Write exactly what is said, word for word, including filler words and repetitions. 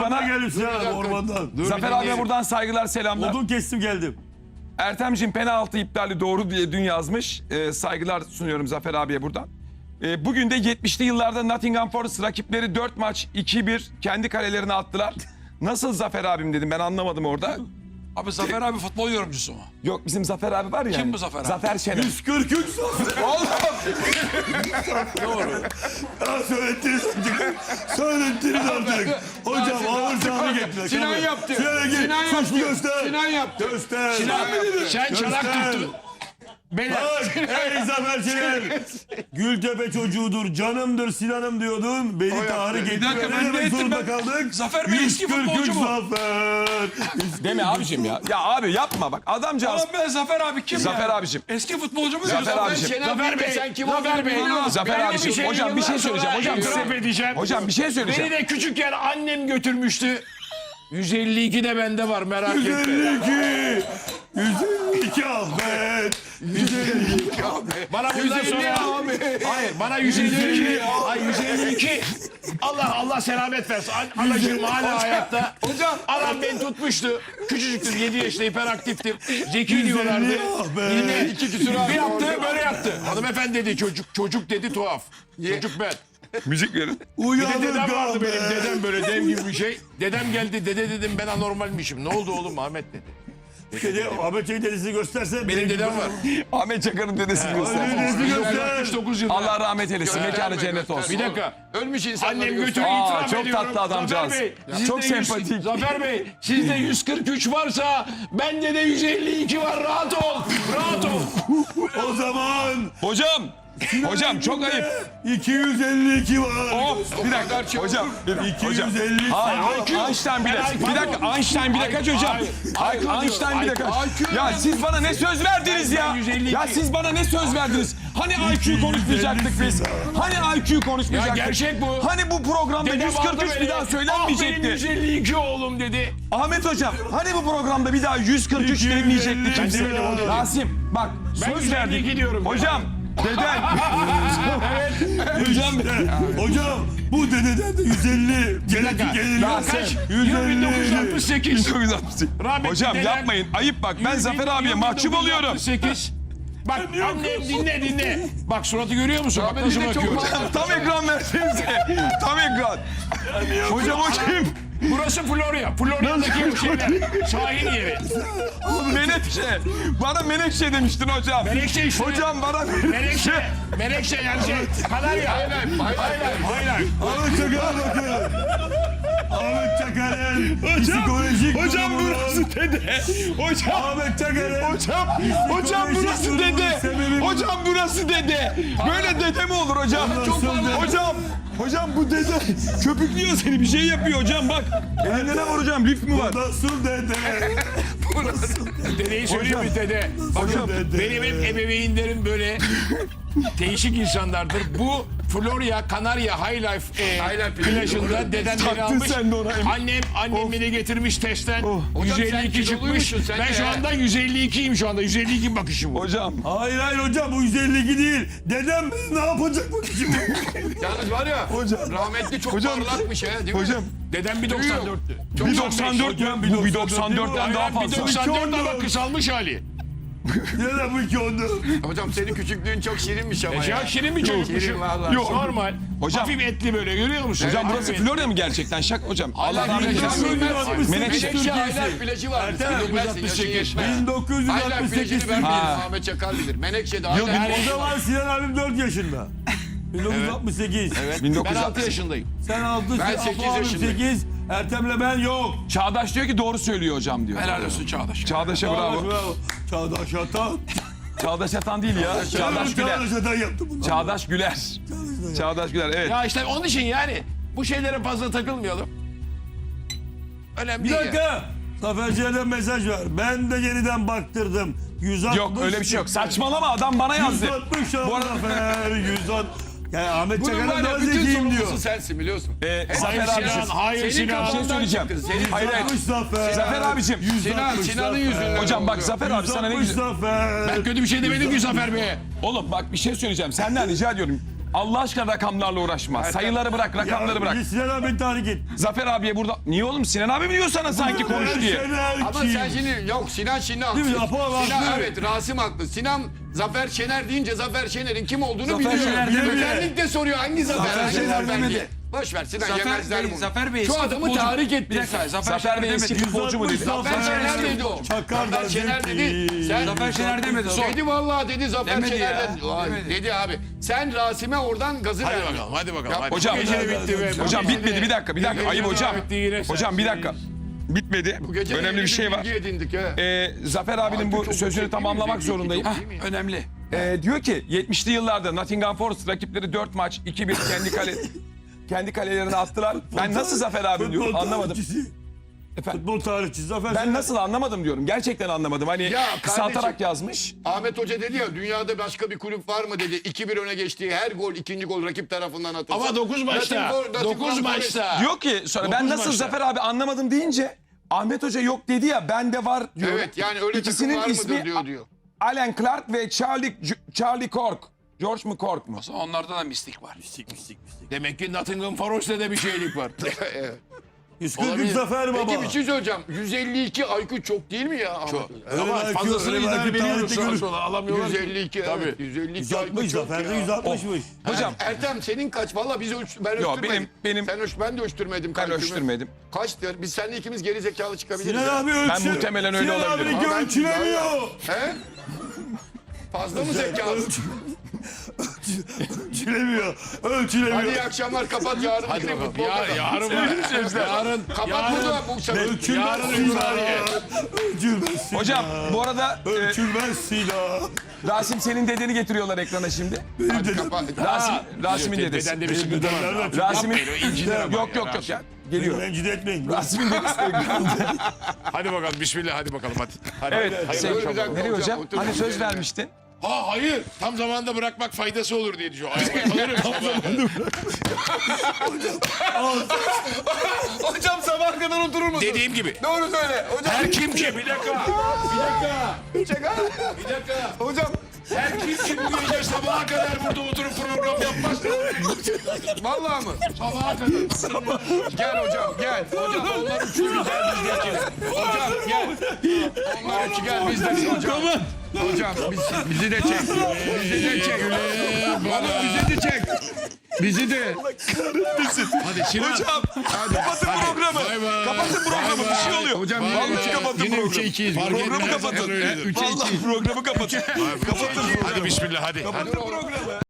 Sana geldim Sinan abi ormandan. Zafer abiye buradan saygılar, selamlar. Odun kestim geldim. Ertemciğim penaltı iptali doğru diye dün yazmış. Ee, saygılar sunuyorum Zafer abiye buradan. Ee, bugün de yetmişli yıllarda Nottingham Forest rakipleri dört maç iki bir kendi kalelerine attılar. Nasıl Zafer abim dedim, ben anlamadım orada. Abi Zafer abi futbol yorumcusu mu? Yok, bizim Zafer abi var ya. Kim bu Zafer abi? Zafer Şener. yüz kırk üç Zafer. Doğru. Ya söylettiniz artık. Söylettiniz artık. Hocam ağır sahanı getirdiler. Sinan yaptı. Sinan gel. Sinan Suçlu yaptı. göster. Sinan yaptı. Göster. Sinan sen çanak Göster. tuttun. Beyler. Bak ey Zafer Şener. Gültepe çocuğudur, canımdır Sinan'ım diyordun. Beni Tarık etti. dakika, Ne ben de demek ettim zorunda ben. kaldık? Zafer Bey eski yüz kırk üç futbolcu mu? Zafer. Deme abicim ya. Ya abi yapma bak, adamcağız. Oğlum ben Zafer abi kim Zafer ya? abicim. Eski futbolcu mu? Zafer diyorsun? abicim. Şener Zafer Bey, Bey, sen kim Zafer Bey. olduğunu Zafer Ben de abicim, şey hocam bir şey yıllar söyleyeceğim. sonra Hocam itiraf size- edeceğim. Hocam bir şey söyleyeceğim. Beni de küçükken annem götürmüştü. yüz elli iki de bende var, merak yüz etme. elli iki. yüz elli iki Ahmet. yüz elli iki. Bana bundan sonra hayır bana yüz elli iki ay yüz elli iki Allah Allah selamet versin. An- Anacığım hala hayatta. Hocam anam beni tutmuştu. Küçücüktüm, yedi yaşında, hiperaktiftim. Zeki diyorlardı. Ahmet. Yine iki küsur bir yaptı böyle yaptı. Hanımefendi dedi çocuk çocuk dedi tuhaf. Çocuk ben. Müzik verin. Bir de Uyanık dedem vardı Ahmet. benim dedem böyle dev gibi bir şey. Dedem geldi dede dedim ben anormalmişim. Ne oldu oğlum Ahmet dedi. Dedi, Ahmet Çelik dedesini gösterse. Benim dedem var. Ahmet Çakar'ın dedesini Ahmet göster. dedesini bin dokuz yüz göster. altmış dokuz yılında. Allah rahmet eylesin. Mekanı cennet olsun. Bir dakika. Ölmüş insanları Annem göster. götürü Aa, itiraf çok ediyorum. tatlı adamcağız. Zafer Bey, Ya, sizde çok yüz sempatik. Zafer Bey, sizde yüz kırk üç varsa bende de yüz elli iki var. Rahat ol. Rahat ol. O zaman Hocam. Hocam çok ayıp. iki yüz elli iki var. Hop bir dakika. Hocam. Bir dakika. Hocam. iki yüz elli. Hayır, hayır, Einstein bile. Bir dakika, Einstein bile kaç hocam? Hayır, Einstein bile kaç? Ya siz bana ne söz verdiniz ya? Ya siz bana ne söz verdiniz? Hani I Q konuşmayacaktık biz? Hani I Q konuşmayacaktık? Ya gerçek bu. Hani bu programda Dedem yüz kırk aldı üç beni. bir daha Ah benim yüz söylenmeyecekti? elli iki oğlum dedi. Ahmet hocam, hani bu programda bir daha yüz kırk üç denmeyecekti kimse? Ben demedim, o dedi. Rasim, bak Ben söz yüz elli iki verdik. diyorum. Hocam, deden. Hocam, Hocam bu dededen de yüz elli. Genetik gelir. Ya Kaç? yüz Yıl bin dokuz yüz elli. altmış sekiz. bin dokuz yüz altmış sekiz. Rahmetli Hocam dedem- yapmayın, ayıp bak. Ben Zafer abiye mahcup oluyorum. sekiz. Bak annem dinle dinle. Bak suratı görüyor musun? Bak nasıl de çok bakıyor. fazla- Tam ekran versenize. Tam ekran. Hocam o kim? Burası Florya. Florya'daki şeyler. Sahil yeri. Menekşe. Bana Menekşe demiştin hocam. Menekşe işte. Hocam bana Menekşe. Menekşe yani şey. Kanarya. Hayır hayır. Ahmet Çakar'a bakın. Ahmet Çakar'ın psikolojik Hocam durumunun- burası dede. Hocam. Ahmet Çakar'ın Hocam, hocam burası durumunun dede. sebebi bu. Hocam burası dede. Böyle dede mi olur hocam? Çok fazla. Hocam, hocam bu dede köpüklüyor seni, bir şey yapıyor hocam bak. Elinde ne var hocam, lif mi var? Nasıl dede? Dedeyi söyleyeyim mi dede? Hocam. Bakın benim hep ebeveynlerim böyle değişik insanlardır. Bu Florya, Kanarya High Life e, High Life plajında dedem beni Taktın almış. sen de ona. Annem, annem beni getirmiş testten. Hocam yüz elli sen iki çıkmış. kiloluymuşsun sen Ben de şu ya. anda yüz elli ikiyim şu anda. yüz elli iki bakışım bu. Hocam. Hayır hayır hocam bu yüz elli iki değil. Dedem ne yapacak bu şimdi? Yalnız var ya Hocam. rahmetli çok Hocam. parlakmış ya değil mi? Hocam. Dedem bir doksan dörttü. Bir doksan dört ya. Bu bir doksan dörtten daha Bir fazla. doksan dört İki ama on kısalmış hali. Dedem bu iki ondu. Hocam senin küçüklüğün çok şirinmiş ama Ya ya. şirin bir çocukmuşum. Şirin vallahi. Yok. Normal. Hocam. Hafif etli böyle görüyor musun? Hocam burası Hafif etli. Florya mı gerçekten? Şak hocam. Allah Hala rahmet plajı eylesin. bilmez. Menekşe. Menekşe Aylar plajı var. Ertem, Sen bilmezsin, dokuz yüz altmış yaşın sekiz. yetmez. bin dokuz yüz Aylar altmış sekiz. plajını ben Ha. bilirim. Ahmet Çakar bilir. Menekşe'de Yıl Aylar bin- O plajı var. zaman Sinan abim dört yaşında. bin dokuz yüz altmış sekiz. bin dokuz Ben yüz altı altmış sekiz. yaşındayım. Sen altı, Ben Apo sekiz abim yaşındayım. sekiz. Ertem'le ben yok. Çağdaş diyor ki doğru söylüyor hocam diyor. Helal olsun Çağdaş. Çağdaş'a bravo. bravo. Çağdaş Atan. Çağdaş Atan değil ya. Çağdaş Güler. Çağdaş Atan yaptı bunu. Çağdaş Güler. Çağdaş Güler evet. Ya işte onun için yani bu şeylere fazla takılmayalım. Önemli Bir değil ya. dakika. Zafer Ciğer'den mesaj var. Ben de yeniden baktırdım. yüz altmış. Yok öyle bir şey yok. Saçmalama, adam bana yazdı. yüz altmış Bu arada- Zafer. yüz altmış. Yani Ahmet Bunun var Çakar'ın ya daha bütün zekiyim diyor. sorumlusu sensin biliyorsun. Ee, Hayır Zafer abicim. Sinan, hayır Senin Sinan. Bir şey kafandan söyleyeceğim. çıktı. Senin Hayır hayır. yüz altmış Zafer. Zafer abicim. yüz Sinan, altmış Sinan'ın Zafer. yüzünden. Hocam bak oluyor. Zafer abi sana ne yüz altmış güzel. Zafer. Ben kötü bir şey demedim ki Zafer Bey'e. Oğlum bak bir şey söyleyeceğim. Senden rica ediyorum. Allah aşkına rakamlarla uğraşma. Sayıları bırak, rakamları bırak. Ya, Sinan abi beni tahrik et. Zafer abiye burada... Niye oğlum? Sinan abi mi diyor sana sanki konuş diye? Şener Ama kim? sen şimdi yok Sinan şimdi Değil mi? haksız. Apo Sinan haklı. evet Rasim haklı. Sinan Zafer Şener deyince Zafer Şener'in kim olduğunu Zafer biliyor. Şener demedi. Özellikle soruyor hangi Zafer? Zafer hangi Şener Zafer demedi. diye. Boş ver Sinan Zafer yemezler Bey, bunu. Zafer Bey Şu eski adamı futbolcu. tahrik Bir ettin dakika sen. Zafer, Zafer Şener Bey eski demedi. futbolcu mu dedi? Zafer Şener dedi o. Çakar Zafer Şener dedi. Sen Zafer Şener demedi. Sor. Dedi vallahi dedi Zafer Demedi Şener ya. dedi. Vay, Demedi. dedi abi. Sen Rasim'e oradan gazı Hadi verdin. bakalım hadi bakalım. Hadi. Hocam, Gece bitti be. hocam Bu gece bitmedi de- bir dakika bir dakika Bu ayıp gece de- hocam. bitti yine sen. Hocam bir dakika. Bitmedi. Bu gece de Önemli yeni bir şey var. bilgi edindik ha. Ee, Zafer abinin bu Çok sözünü yüksek tamamlamak değil mi? zorundayım. Çok Hah, değil mi? önemli. Ee, diyor ki yetmişli yıllarda Nottingham Forest rakipleri dört maç iki bir kendi kale kendi kalelerine attılar. Ben nasıl Zafer abi diyorum Futbol anlamadım. tarihçisi. Efendim, Futbol tarihçisi Zafer ben Şener. nasıl anlamadım diyorum. Gerçekten anlamadım. Hani Ya kısaltarak kardeşim- yazmış. Ahmet Hoca dedi ya dünyada başka bir kulüp var mı dedi. iki bir öne geçtiği her gol ikinci gol rakip tarafından atılsa. Ama dokuz maçta. Nottingham- Nottingham dokuz Forest- maçta. Diyor ki sonra ben Dokuz nasıl maçta. Zafer abi anlamadım deyince Ahmet Hoca yok dedi ya bende var diyor. Evet yani öyle İkisinin takım var ismi mıdır diyor diyor. Alan Clark ve Charlie Charlie Cork. George mu Cork mu? O zaman onlarda da mistik var. Mistik mistik mistik. Demek ki Nottingham Forest'te de bir şeylik var. yüz kırk üç Olabilir. Zafer baba. Peki bir şey söyleyeceğim. yüz elli iki I Q çok değil mi ya? Ahmet Hoca? Öyle Ama belki- fazlasını öyle idare belki ediyoruz tarihte sağa görür. sola alamıyorlar. yüz ki. elli iki Tabii. evet. yüz elli iki yüz I altmış Q çok Zafer de ya. yüz altmışmış. Hocam Ertem senin kaç? Valla biz ölç ben Yok, ölçtürmedim. benim- benim- Sen ölç ben de ölçtürmedim. ben kalkümü. ölçtürmedim. Kaçtır? Biz seninle ikimiz geri zekalı çıkabiliriz. Sinan ya. abi ölçü. Ben muhtemelen öyle Sinan olabilirim. abi Ama ben- ölçülemiyor. He? Fazla mı zekalı? Ölçülemiyor. Hadi Ölçülemiyor. iyi akşamlar kapat yarın. Hadi Hadi bakalım. futbol Ya, kazan. yarın var. Yarın. Kapat yarın- bunu bu sefer. Ölçülmez Yarın Sinan. Ümraniye. Ölçülmez Sinan. hocam bu arada e, Ölçülmez Sinan. Rasim senin dedeni getiriyorlar ekrana şimdi. Hadi kapat. Rasim Rasim'in dedesi. Bedende bir sıkıntı var. Bedenler de- Rasim'in Yapmayın, o inciner ama yok ya, yok yok Rasim. ya. Geliyor. Rencide etmeyin. Rasim'in dedesi. Hadi bakalım bismillah hadi bakalım hadi. hadi Evet. Hayırlı Sevgili- bir dakika Nereye hocam, hocam? otur. Hani söz vermiştin. Ha hayır. Tam zamanında bırakmak faydası olur diye düşünüyor. Ayakta kalırım sabah. Hocam sabah kadar oturur musun? Dediğim gibi. Doğru söyle. Hocam. Her kim ki bir dakika. Bir dakika. Bir dakika. Hocam. Her kim ki bu gece sabaha kadar burada oturup program yapmaz. Vallahi mı? Sabaha kadar. Gel hocam gel. Hocam onlar üçü güzel biz de iki. Hocam gel. Onlar üçü gel biz de iki hocam. Hocam biz, bizi de çek. Bizi de çek. Oğlum bizi de çek. Bizi de. Hadi Sinan. Hocam kapatın programı. Bay bay. Kapatın programı bir şey oluyor. Hocam Vallahi kapatın yine programı. üçe ikiyiz. Programı kapatın. Öyledir. Vallahi programı kapatın. Kapatın Hadi bismillah hadi. Kapatın programı.